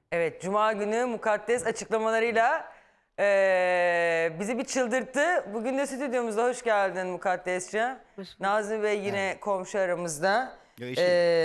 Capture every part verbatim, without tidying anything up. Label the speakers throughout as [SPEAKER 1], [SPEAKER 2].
[SPEAKER 1] Evet, Cuma günü mukaddes açıklamalarıyla eee, bizi bir çıldırttı. Bugün de stüdyomuzda hoş geldin Mukaddesciğim. Nazmi Bey yine komşu aramızda.
[SPEAKER 2] Yo, eşiyim.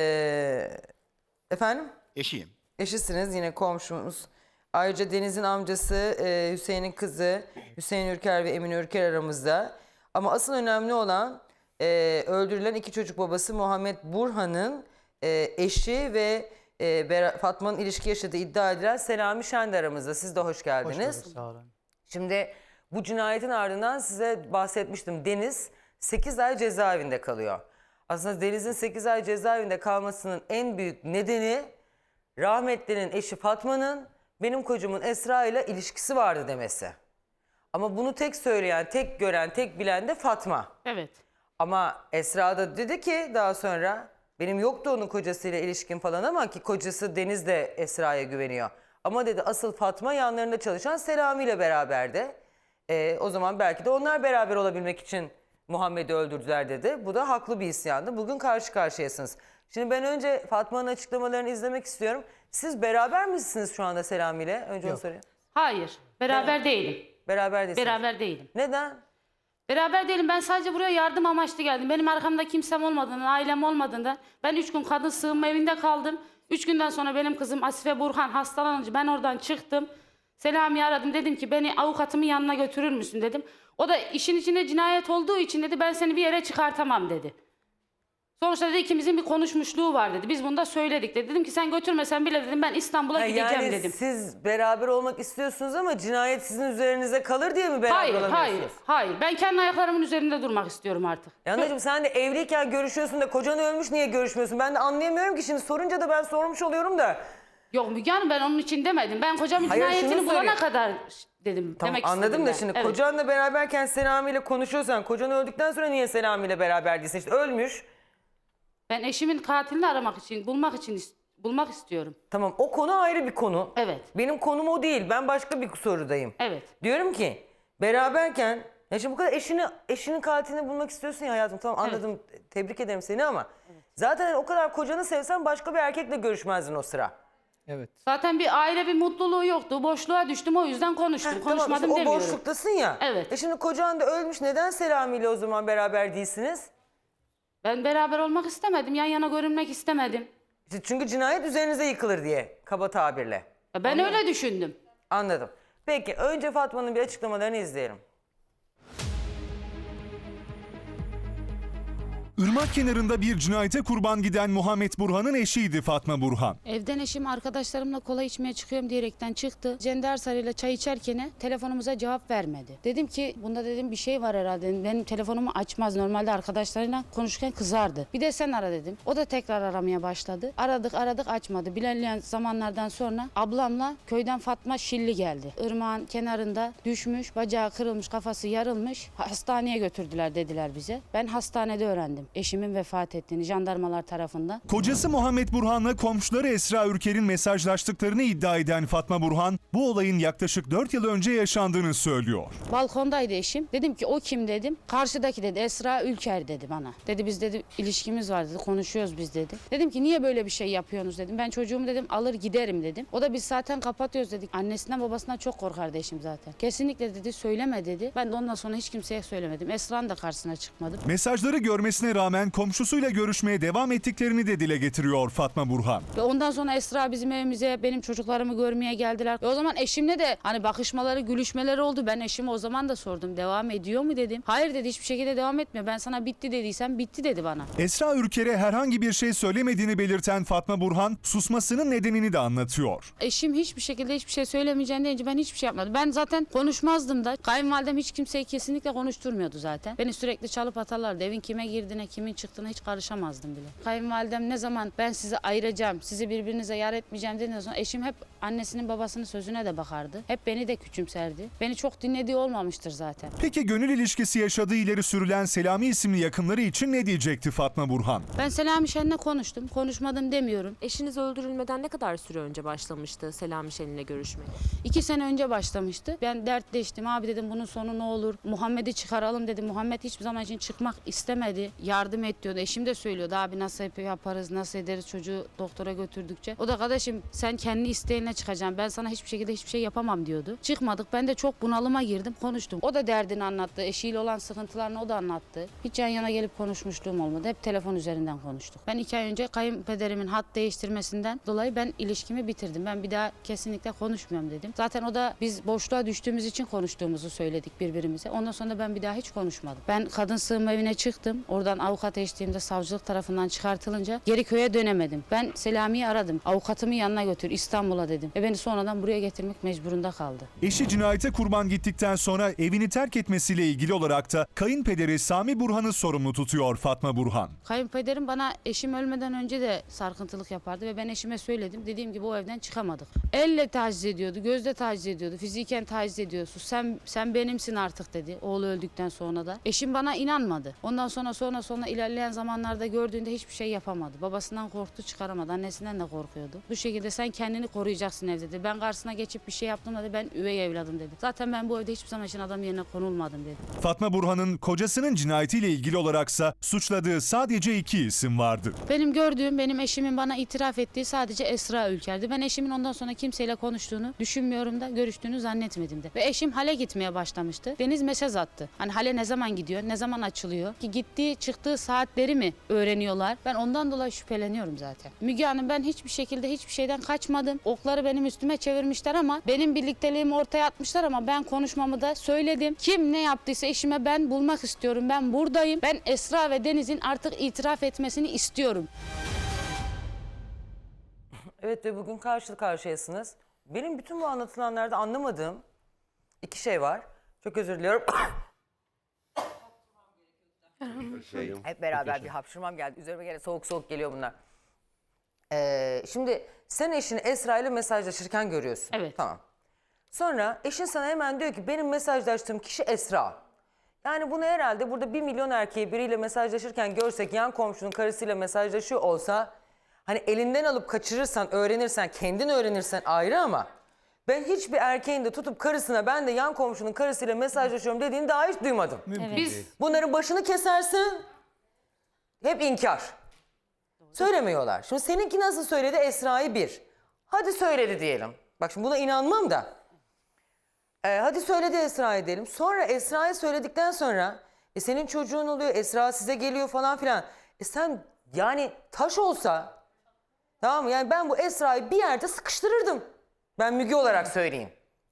[SPEAKER 1] Eee, efendim?
[SPEAKER 2] Eşiyim.
[SPEAKER 1] Eşisiniz, yine komşumuz. Ayrıca Deniz'in amcası, eee, Hüseyin'in kızı Hüseyin Ürker ve Emine Ürker aramızda. Ama asıl önemli olan eee, öldürülen iki çocuk babası Muhammed Burhan'ın eee, eşi ve e, Bera- Fatma'nın ilişki yaşadığı iddia edilen Selami Şen de aramızda. Siz de hoş geldiniz.
[SPEAKER 3] Hoş bulduk, sağ olun.
[SPEAKER 1] Şimdi bu cinayetin ardından size bahsetmiştim. Deniz sekiz ay cezaevinde kalıyor. Aslında Deniz'in sekiz ay cezaevinde kalmasının en büyük nedeni rahmetlinin eşi Fatma'nın benim kocamın Esra ile ilişkisi vardı demesi. Ama bunu tek söyleyen, tek gören, tek bilen de Fatma.
[SPEAKER 4] Evet.
[SPEAKER 1] Ama Esra da dedi ki daha sonra benim yoktu onun kocasıyla ilişkin falan ama ki kocası Deniz de Esra'ya güveniyor. Ama dedi asıl Fatma yanlarında çalışan Selami ile beraberdi. Ee, o zaman belki de onlar beraber olabilmek için Muhammed'i öldürdüler dedi. Bu da haklı bir isyandı. Bugün karşı karşıyasınız. Şimdi ben önce Fatma'nın açıklamalarını izlemek istiyorum. Siz beraber misiniz şu anda Selami ile? Önce onu
[SPEAKER 3] Yok.
[SPEAKER 1] sorayım.
[SPEAKER 4] Hayır. Beraber değilim.
[SPEAKER 1] Beraber değilsiniz.
[SPEAKER 4] Beraber değilim.
[SPEAKER 1] Neden?
[SPEAKER 4] Beraber değilim. Ben sadece buraya yardım amaçlı geldim. Benim arkamda kimsem olmadığından, ailem olmadığından ben üç gün kadın sığınma evinde kaldım. Üç günden sonra benim kızım Asife Burhan hastalanınca ben oradan çıktım. Selami'yi aradım. Dedim ki beni avukatımın yanına götürür müsün dedim. O da işin içinde cinayet olduğu için dedi ben seni bir yere çıkartamam dedi. Sonuçta dedi ikimizin bir konuşmuşluğu var dedi. Biz bunu da söyledik dedi. Dedim ki sen götürmesen bile dedim ben İstanbul'a
[SPEAKER 1] Ha,
[SPEAKER 4] gideceğim
[SPEAKER 1] yani
[SPEAKER 4] dedim.
[SPEAKER 1] siz beraber olmak istiyorsunuz ama cinayet sizin üzerinize kalır diye mi beraber
[SPEAKER 4] Hayır,
[SPEAKER 1] olamıyorsunuz?
[SPEAKER 4] hayır, hayır. Ben kendi ayaklarımın üzerinde durmak istiyorum artık.
[SPEAKER 1] Ya anacığım sen de evliyken görüşüyorsun da kocan ölmüş niye görüşmüyorsun? Ben de anlayamıyorum ki şimdi sorunca da ben sormuş oluyorum da.
[SPEAKER 4] Yok Müge Hanım ben onun için demedim. Ben kocamın
[SPEAKER 1] Hayır,
[SPEAKER 4] cinayetini
[SPEAKER 1] şunu
[SPEAKER 4] bulana
[SPEAKER 1] soruyorum.
[SPEAKER 4] kadar dedim.
[SPEAKER 1] Tamam
[SPEAKER 4] demek
[SPEAKER 1] anladım
[SPEAKER 4] istedim
[SPEAKER 1] da
[SPEAKER 4] ben.
[SPEAKER 1] şimdi
[SPEAKER 4] Evet.
[SPEAKER 1] kocanla beraberken Selami ile konuşuyorsan kocan öldükten sonra niye Selami ile beraber değilsin? İşte ölmüş.
[SPEAKER 4] Ben eşimin katilini aramak için, bulmak için is- bulmak istiyorum.
[SPEAKER 1] Tamam o konu ayrı bir konu.
[SPEAKER 4] Evet.
[SPEAKER 1] Benim konum o değil. Ben başka bir sorudayım.
[SPEAKER 4] Evet.
[SPEAKER 1] Diyorum ki beraberken ya şimdi bu kadar eşini eşinin katilini bulmak istiyorsun ya hayatım. Tamam anladım. Tebrik ederim seni ama zaten o kadar kocanı sevsen başka bir erkekle görüşmezdin o sıra.
[SPEAKER 3] Evet.
[SPEAKER 4] Zaten bir aile bir mutluluğu yoktu. Boşluğa düştüm o yüzden konuştum.
[SPEAKER 1] Heh,
[SPEAKER 4] Konuşmadım
[SPEAKER 1] tamam, işte o
[SPEAKER 4] demiyorum.
[SPEAKER 1] boşluktasın ya.
[SPEAKER 4] Evet.
[SPEAKER 1] E şimdi kocan da ölmüş. Neden Selami ile o zaman beraber değilsiniz?
[SPEAKER 4] Ben beraber olmak istemedim. Yan yana görünmek istemedim.
[SPEAKER 1] İşte çünkü cinayet üzerinize yıkılır diye kaba tabirle.
[SPEAKER 4] Ya Ben öyle düşündüm.
[SPEAKER 1] Anladım. Peki önce Fatma'nın bir açıklamalarını izleyelim.
[SPEAKER 5] Irmak kenarında bir cinayete kurban giden Muhammed Burhan'ın eşiydi Fatma Burhan.
[SPEAKER 6] Evden eşim arkadaşlarımla kola içmeye çıkıyorum diyerekten çıktı. Cender Sarı'yla çay içerken telefonumuza cevap vermedi. Dedim ki bunda dedim bir şey var herhalde. Dedim, benim telefonumu açmaz. Normalde arkadaşlarıyla konuşurken kızardı. Bir de sen ara dedim. O da tekrar aramaya başladı. Aradık aradık açmadı. İlerleyen zamanlardan sonra ablamla köyden Fatma Şilli geldi. Irmağın kenarında düşmüş, bacağı kırılmış, kafası yarılmış. Hastaneye götürdüler dediler bize. Ben hastanede öğrendim eşimin vefat ettiğini jandarmalar tarafından.
[SPEAKER 5] Kocası Muhammed Burhan'la komşuları Esra Ürker'in mesajlaştıklarını iddia eden Fatma Burhan, bu olayın yaklaşık dört yıl önce yaşandığını söylüyor.
[SPEAKER 6] Balkondaydı eşim. Dedim ki o kim dedim. Karşıdaki dedi Esra Ülker dedi bana. Dedi biz dedi ilişkimiz var dedi konuşuyoruz biz dedi. Dedim ki niye böyle bir şey yapıyorsunuz dedim. Ben çocuğumu dedim alır giderim dedim. O da biz zaten kapatıyoruz dedik. Annesinden babasından çok korkardı eşim zaten. Kesinlikle dedi söyleme dedi. Ben de ondan sonra hiç kimseye söylemedim. Esra'nın da karşısına çıkmadım.
[SPEAKER 5] Mesajları görmesine rağmen komşusuyla görüşmeye devam ettiklerini de dile getiriyor Fatma Burhan.
[SPEAKER 6] Ve ondan sonra Esra bizim evimize benim çocuklarımı görmeye geldiler. Ve o zaman eşimle de hani bakışmaları, gülüşmeleri oldu. Ben eşime o zaman da sordum. Devam ediyor mu dedim. Hayır dedi hiçbir şekilde devam etmiyor. Ben sana bitti dediysem bitti dedi bana.
[SPEAKER 5] Esra Ürker'e herhangi bir şey söylemediğini belirten Fatma Burhan, susmasının nedenini de anlatıyor.
[SPEAKER 6] Eşim hiçbir şekilde hiçbir şey söylemeyeceğini deyince ben hiçbir şey yapmadım. Ben zaten konuşmazdım da. Kayınvalidem hiç kimseyi kesinlikle konuşturmuyordu zaten. Beni sürekli çalıp atarlardı. Evin kime girdiğine, kimin çıktığına hiç karışamazdım bile. Kayınvalidem ne zaman ben sizi ayıracağım, sizi birbirinize yar etmeyeceğim dediğinden sonra eşim hep annesinin babasının sözüne de bakardı. Hep beni de küçümserdi. Beni çok dinlediği olmamıştır zaten.
[SPEAKER 5] Peki gönül ilişkisi yaşadığı ileri sürülen Selami isimli yakınları için ne diyecekti Fatma Burhan?
[SPEAKER 6] Ben Selami Şen'le konuştum. Konuşmadım demiyorum.
[SPEAKER 7] Eşiniz öldürülmeden ne kadar süre önce başlamıştı Selami Şen'le görüşmeye?
[SPEAKER 6] İki sene önce başlamıştı. Ben dertleştim. Abi dedim bunun sonu ne olur? Muhammed'i çıkaralım dedim. Muhammed hiçbir zaman için çıkmak istemedi. Ya yardım et diyordu. Eşim de söylüyordu abi nasıl yaparız, nasıl ederiz çocuğu doktora götürdükçe. O da kardeşim sen kendi isteğine çıkacaksın. Ben sana hiçbir şekilde hiçbir şey yapamam diyordu. Çıkmadık. Ben de çok bunalıma girdim. Konuştum. O da derdini anlattı. Eşiyle olan sıkıntılarını o da anlattı. Hiç yan yana gelip konuşmuşluğum olmadı. Hep telefon üzerinden konuştuk. Ben iki ay önce kayınpederimin hat değiştirmesinden dolayı ben ilişkimi bitirdim. Ben bir daha kesinlikle konuşmuyorum dedim. Zaten o da biz boşluğa düştüğümüz için konuştuğumuzu söyledik birbirimize. Ondan sonra ben bir daha hiç konuşmadım. Ben kadın sığınma evine çıktım. Oradan avukat eşliğimde savcılık tarafından çıkartılınca geri köye dönemedim. Ben Selami'yi aradım. Avukatımı yanına götür İstanbul'a dedim. Ve beni sonradan buraya getirmek mecburunda kaldı.
[SPEAKER 5] Eşi cinayete kurban gittikten sonra evini terk etmesiyle ilgili olarak da kayınpederi Sami Burhan'ı sorumlu tutuyor Fatma Burhan.
[SPEAKER 6] Kayınpederim bana eşim ölmeden önce de sarkıntılık yapardı ve ben eşime söyledim. Dediğim gibi o evden çıkamadık. Elle taciz ediyordu, gözle taciz ediyordu, fiziken taciz ediyorsun. Sen sen benimsin artık dedi oğlu öldükten sonra da. Eşim bana inanmadı. Ondan sonra sonra sonra ilerleyen zamanlarda gördüğünde hiçbir şey yapamadı. Babasından korktu, çıkaramadı. Annesinden de korkuyordu. Bu şekilde sen kendini koruyacaksın evde dedi. Ben karşısına geçip bir şey yaptım dedi. Ben üvey evladım dedi. Zaten ben bu evde hiçbir zaman için adam yerine konulmadım dedi.
[SPEAKER 5] Fatma Burhan'ın kocasının cinayetiyle ilgili olaraksa suçladığı sadece iki isim vardı.
[SPEAKER 6] Benim gördüğüm, benim eşimin bana itiraf ettiği sadece Esra Ülker'di. Ben eşimin ondan sonra kimseyle konuştuğunu düşünmüyorum da, görüştüğünü zannetmedim de. Ve eşim hale gitmeye başlamıştı. Deniz mesaj attı. Hani hale ne zaman gidiyor, ne zaman açılıyor? Ki gittiği, çıktığı saatleri mi öğreniyorlar? Ben ondan dolayı şüpheleniyorum zaten. Müge Hanım ben hiçbir şekilde hiçbir şeyden kaçmadım. Okları benim üstüme çevirmişler ama benim birlikteliğimi ortaya atmışlar ama ben konuşmamı da söyledim. Kim ne yaptıysa eşime ben bulmak istiyorum. Ben buradayım. Ben Esra ve Deniz'in artık itiraf etmesini istiyorum.
[SPEAKER 1] Evet ve bugün karşı karşıyasınız. Benim bütün bu anlatılanlarda anlamadığım iki şey var. Çok özür diliyorum. Hep beraber bir hapşırmam geldi. Üzerime gene soğuk soğuk geliyor bunlar. Ee, şimdi sen eşini Esra ile mesajlaşırken görüyorsun.
[SPEAKER 4] Evet.
[SPEAKER 1] Tamam. Sonra eşin sana hemen diyor ki benim mesajlaştığım kişi Esra. Yani bunu herhalde burada bir milyon erkeği biriyle mesajlaşırken görsek, yan komşunun karısıyla mesajlaşıyor olsa hani elinden alıp kaçırırsan, öğrenirsen, kendin öğrenirsen ayrı ama ben hiçbir erkeğin de tutup karısına ben de yan komşunun karısıyla mesajlaşıyorum dediğini daha hiç duymadım.
[SPEAKER 4] Biz
[SPEAKER 1] Bunların başını kesersin, hep inkar. Söylemiyorlar. Şimdi seninki nasıl söyledi? Esra'yı bir. Hadi söyledi diyelim. Bak şimdi buna inanmam da. Ee, hadi söyledi Esra'yı diyelim. Sonra Esra'yı söyledikten sonra e, senin çocuğun oluyor, Esra size geliyor falan filan. E sen yani taş olsa, tamam mı? Yani ben bu Esra'yı bir yerde sıkıştırırdım. Ben Müge olarak söyleyeyim.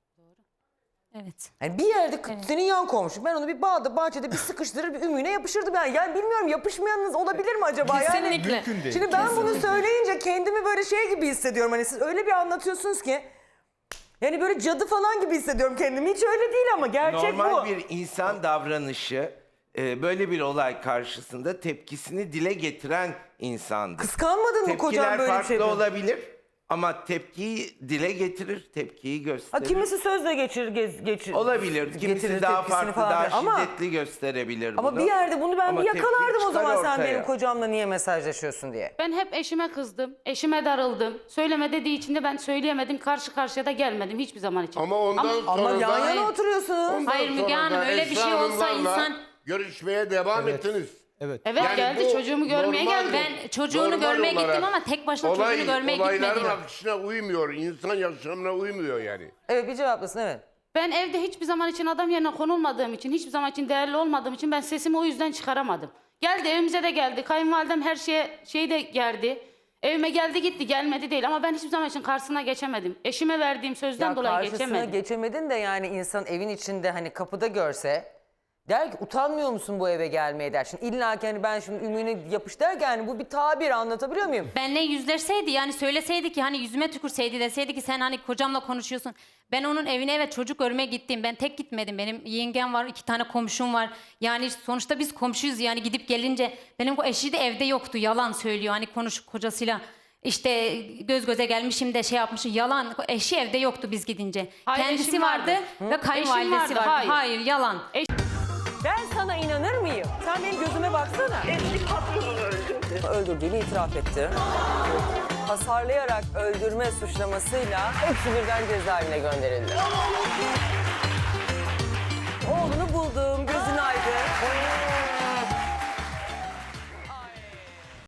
[SPEAKER 2] Evet.
[SPEAKER 1] Yani bir yerde senin yan komşu. Ben onu bir bağda, bahçede bir sıkıştırır, bir ümüğüne yapışırdım. Yani, yani bilmiyorum, yapışmayanınız olabilir mi acaba?
[SPEAKER 2] Kesinlikle.
[SPEAKER 1] Yani, şimdi ben bunu söyleyince kendimi böyle şey gibi hissediyorum. Hani siz öyle bir anlatıyorsunuz ki. Yani böyle cadı falan gibi hissediyorum kendimi. Hiç öyle değil ama gerçek
[SPEAKER 3] Normal
[SPEAKER 1] bu.
[SPEAKER 3] bir insan davranışı e, böyle bir olay karşısında tepkisini dile getiren insandır.
[SPEAKER 1] Kıskanmadın mı kocam
[SPEAKER 3] Tepkiler
[SPEAKER 1] böyle bir
[SPEAKER 3] farklı
[SPEAKER 1] şey?
[SPEAKER 3] olabilir ama tepkiyi dile getirir, tepkiyi
[SPEAKER 1] Ha,
[SPEAKER 3] gösterir.
[SPEAKER 1] kimisi sözle geçirir, gez, geçirir.
[SPEAKER 3] Olabilir. Kimisi
[SPEAKER 1] getirir
[SPEAKER 3] daha
[SPEAKER 1] tepkisini
[SPEAKER 3] farklı,
[SPEAKER 1] falan
[SPEAKER 3] daha
[SPEAKER 1] filan. ama,
[SPEAKER 3] şiddetli gösterebilir
[SPEAKER 1] Ama
[SPEAKER 3] bunu.
[SPEAKER 1] bir yerde bunu ben
[SPEAKER 3] Ama
[SPEAKER 1] bir
[SPEAKER 3] tepki
[SPEAKER 1] yakalardım o
[SPEAKER 3] çıkar
[SPEAKER 1] zaman sen
[SPEAKER 3] ortaya.
[SPEAKER 1] benim kocamla niye mesajlaşıyorsun diye.
[SPEAKER 4] ben hep eşime kızdım. Eşime darıldım. Söyleme dediği için de ben söyleyemedim. Karşı karşıya da gelmedim hiçbir zaman için.
[SPEAKER 8] Ama ondan
[SPEAKER 4] Ama-
[SPEAKER 8] sonra
[SPEAKER 1] Ama yan
[SPEAKER 8] da,
[SPEAKER 1] yana oturuyorsunuz.
[SPEAKER 8] ondan
[SPEAKER 2] Hayır Müge
[SPEAKER 8] sonra
[SPEAKER 2] Hanım,
[SPEAKER 8] da
[SPEAKER 2] öyle bir
[SPEAKER 8] Esra
[SPEAKER 2] şey olsa
[SPEAKER 8] Hanımlarla
[SPEAKER 2] insan-
[SPEAKER 8] görüşmeye devam ettiniz.
[SPEAKER 4] Evet
[SPEAKER 8] Yani
[SPEAKER 4] geldi
[SPEAKER 8] bu
[SPEAKER 4] çocuğumu görmeye
[SPEAKER 8] normal-
[SPEAKER 4] geldi.
[SPEAKER 2] Ben çocuğunu
[SPEAKER 8] normal
[SPEAKER 2] görmeye
[SPEAKER 8] olarak
[SPEAKER 2] gittim ama tek başına
[SPEAKER 8] olay,
[SPEAKER 2] çocuğunu görmeye
[SPEAKER 8] olayların
[SPEAKER 2] gitmedim.
[SPEAKER 8] akışına uymuyor. İnsan yaşamına uymuyor yani.
[SPEAKER 1] Evet bir cevaplasın evet.
[SPEAKER 4] Ben evde hiçbir zaman için adam yerine konulmadığım için, hiçbir zaman için değerli olmadığım için ben sesimi o yüzden çıkaramadım. Geldi evimize de geldi. Kayınvalidem her şeye şey de geldi. Evime geldi gitti, gelmedi değil ama ben hiçbir zaman için karşısına geçemedim. Eşime verdiğim sözden
[SPEAKER 1] Ya
[SPEAKER 4] dolayı
[SPEAKER 1] karşısına
[SPEAKER 4] geçemedim.
[SPEAKER 1] geçemedin de yani insan evin içinde hani kapıda görse der ki utanmıyor musun bu eve gelmeye der. Şimdi illa ki hani ben şimdi ümüğüne yapış der ki hani bu bir tabir, anlatabiliyor muyum?
[SPEAKER 2] Benle yüzleşseydi, yani söyleseydi ki, hani yüzüme tükürseydi, deseydi ki sen hani kocamla konuşuyorsun. Ben onun evine evet çocuk görmeye gittim. Ben tek gitmedim. Benim yengem var, iki tane komşum var. Yani sonuçta biz komşuyuz, yani gidip gelince benim o eşi de evde yoktu. Yalan söylüyor hani konuş kocasıyla. İşte göz göze gelmişim de şey yapmışım. Yalan. Eşi evde yoktu biz gidince.
[SPEAKER 4] Hayır,
[SPEAKER 2] Kendisi
[SPEAKER 4] eşim
[SPEAKER 2] vardı,
[SPEAKER 4] vardı.
[SPEAKER 2] ve kayınvalidesi
[SPEAKER 4] Eşim vardı,
[SPEAKER 2] vardı.
[SPEAKER 4] hayır.
[SPEAKER 2] Hayır, yalan.
[SPEAKER 1] Ben sana inanır mıyım? Sen benim gözüme baksana.
[SPEAKER 9] Eski patronunu öldürdü.
[SPEAKER 1] Öldürdüğünü itiraf etti. Hasarlayarak öldürme suçlamasıyla hepsi birden cezaevine gönderildi.